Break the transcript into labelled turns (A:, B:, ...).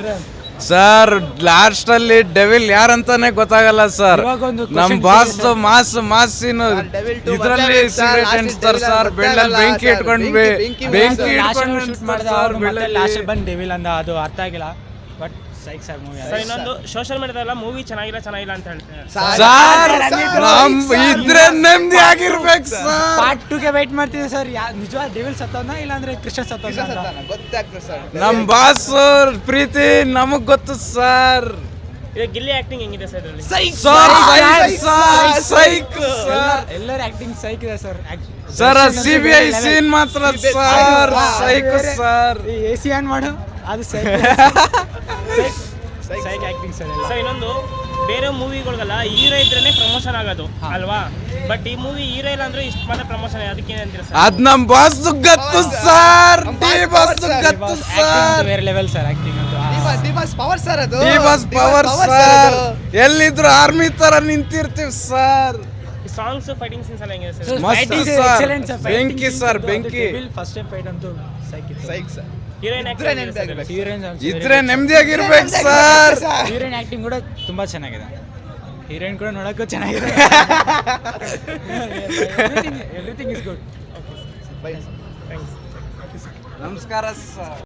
A: Sir last ಅಲ್ಲಿ devil ಯಾರಂತಾನೆ ಗೊತ್ತಾಗಲ್ಲ ಸರ್. ನಮ್ ಬಾಸ್ ಮಾಸಿನ ಇದ್ರಲ್ಲಿ ಸಿಗರೇಟ್ ಅನ್ಸ್ತಾರೆ ಸರ್. ಬೆಳ್ಳಲ್ಲಿ ಬೆಂಕಿ ಇಟ್ಕೊಂಡು
B: ಲಾಸ್ಟ್ ಬಂದು ಡೆವಿಲ್ ಅಂದ, ಅದು ಅರ್ಥ ಆಗಿಲ್ಲ. But psych sir movie.
C: ಇನ್ನೊಂದು ಸೋಷಿಯಲ್ ಮೀಡಿಯಾದಲ್ಲ ಮೂವಿ ಚೆನ್ನಾಗಿಲ್ಲ ಅಂತ ಹೇಳ್ತಾರೆ
A: ಸರ್. ಇದ್ರೆ ನೆಮ್ಮದಿ ಆಗಿರ್ಬೇಕು ಸರ್.
B: ಪಾರ್ಟ್ 2 ಗೆ ವೇಟ್ ಮಾಡ್ತಿದ್ದೆ ಸರ್. ನಿಜವಾದ ಡೆವಿಲ್ ಸತ್ತೋನ ಇಲ್ಲ ಅಂದ್ರೆ ಕೃಷ್ಣ ಸತ್ತೋನ
D: ಗೊತ್ತಾಗ್ತದೆ ಸರ್.
A: ನಮ್ ಬಾಸ್ ಪ್ರೀತಿ ನಮಗ್ ಗೊತ್ತು ಸರ್.
C: ಈಗ ಗಿಲ್ಲಿ ಆಕ್ಟಿಂಗ್ ಹೆಂಗಿದೆ ಸರ್ ಇದರಲ್ಲಿ?
B: ಎಲ್ಲರ ಆಕ್ಟಿಂಗ್ ಸೈಕ್ ಇದೆ ಸರ್.
A: ಸರ್ CBI ಸೀನ್ ಮಾತ್ರ sir psych sir.
B: AC on ಮಾಡು, ಅದು ಸೈಕ್ ಆಕ್ಟಿಂಗ್ ಸರ್.
C: ಸರ್ ಇನ್ನೊಂದು ಬೇರೆ ಮೂವಿಗಳಿಗೆಲ್ಲ ಹೀರೋ ಇದ್ರೇನೆ ಪ್ರಮೋಷನ್ ಆಗೋದು ಅಲ್ವಾ? ಬಟ್ ಈ ಮೂವಿ ಹೀರೋ ಇಲ್ಲ ಅಂದ್ರೆ ಇಷ್ಟು ಮಾತ್ರ ಪ್ರಮೋಷನ್. ಅದಕ್ಕೆ ಏನಂತೀರಾ ಸರ್?
A: ಅದ್ ನಮ್ ಬಾಸ್ ಗೊತ್ತು ಸರ್. ಗೊತ್ತು ಸರ್.
B: ಬೇರೆ ಲೆವೆಲ್ ಸರ್ ಆಕ್ಟಿಂಗ್ ಅಂತ.
D: ಪವರ್ ಸರ್ ಅದು.
A: Power sir. ಎಲ್ಲಿದ್ರು ಆರ್ಮಿ ತರ ನಿಂತಿರ್ತೀವಿ ಸರ್.
C: ಸಾಂಗ್ಸ್ ಫೈಟಿಂಗ್ ಸೀನ್ಸ್ ಎಲ್ಲ ಹೆಂಗಿದೆ ಸರ್?
A: ಮಸ್ತ್ ಸರ್. ಬೆಂಕಿ ಸರ್ ಬೆಂಕಿ.
B: ಫಸ್ಟ್ ಟೈಮ್ ಫೈಟ್ ಅಂತೂ
D: ಸೈಕ್ ಸರ್.
C: ಹೀರೋಯಿನ್ ಆಕ್ಟಿಂಗ್
A: ಇದ್ರೆ ನೆಮ್ಮದಿಯಾಗಿರ್ಬೇಕು ಸರ್.
B: ಹೀರೋಯಿನ್ ಆಕ್ಟಿಂಗ್ ಕೂಡ ತುಂಬಾ ಚೆನ್ನಾಗಿದೆ. ಹೀರೋಯಿನ್ ಕೂಡ ನೋಡಕ್ಕೂ ಚೆನ್ನಾಗಿದೆ. Everything is good.
A: ನಮಸ್ಕಾರ ಸರ್.